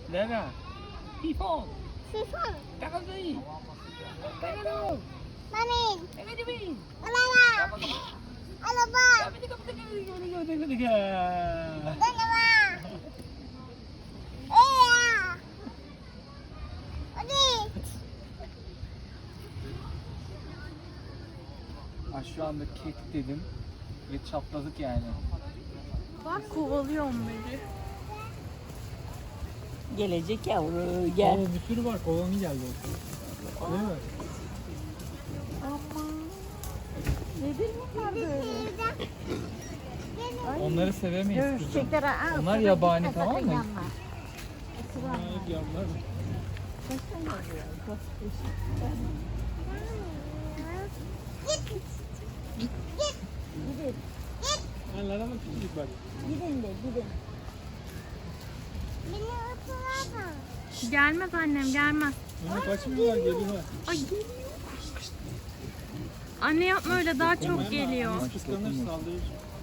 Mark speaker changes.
Speaker 1: Lara. Pifon.
Speaker 2: Sifon.
Speaker 1: Takazui. Takazui.
Speaker 2: Mamin.
Speaker 1: Takazui.
Speaker 2: Alala. Alaba. Dalawa. Eya. Hadi.
Speaker 1: Şu anda kek dedim ve çatladık yani.
Speaker 3: Bak kovalıyor onları.
Speaker 4: Gelecek yavru gel.
Speaker 1: Bir sürü var. Kovanı geldi. Değil mi?
Speaker 3: Aman. Nedir bunlar böyle?
Speaker 1: Onları sevemeyiz kızım.
Speaker 4: Görüşecekler. Aa,
Speaker 1: Onlar
Speaker 4: sana
Speaker 1: yabani,
Speaker 4: gitme,
Speaker 1: tamam
Speaker 4: sakın
Speaker 1: mı?
Speaker 4: yanma.
Speaker 1: Yavrular.
Speaker 4: Gidin.
Speaker 1: Lara bak küçücük bak.
Speaker 4: Gidin de gidin.
Speaker 2: Beni ısırma.
Speaker 3: Gelmez annem gelmez.
Speaker 1: Onu kaçmıyorlar, geliyorlar.
Speaker 3: Ay Anne yapma öyle daha çok geliyor.
Speaker 1: Kıskanır, saldırır.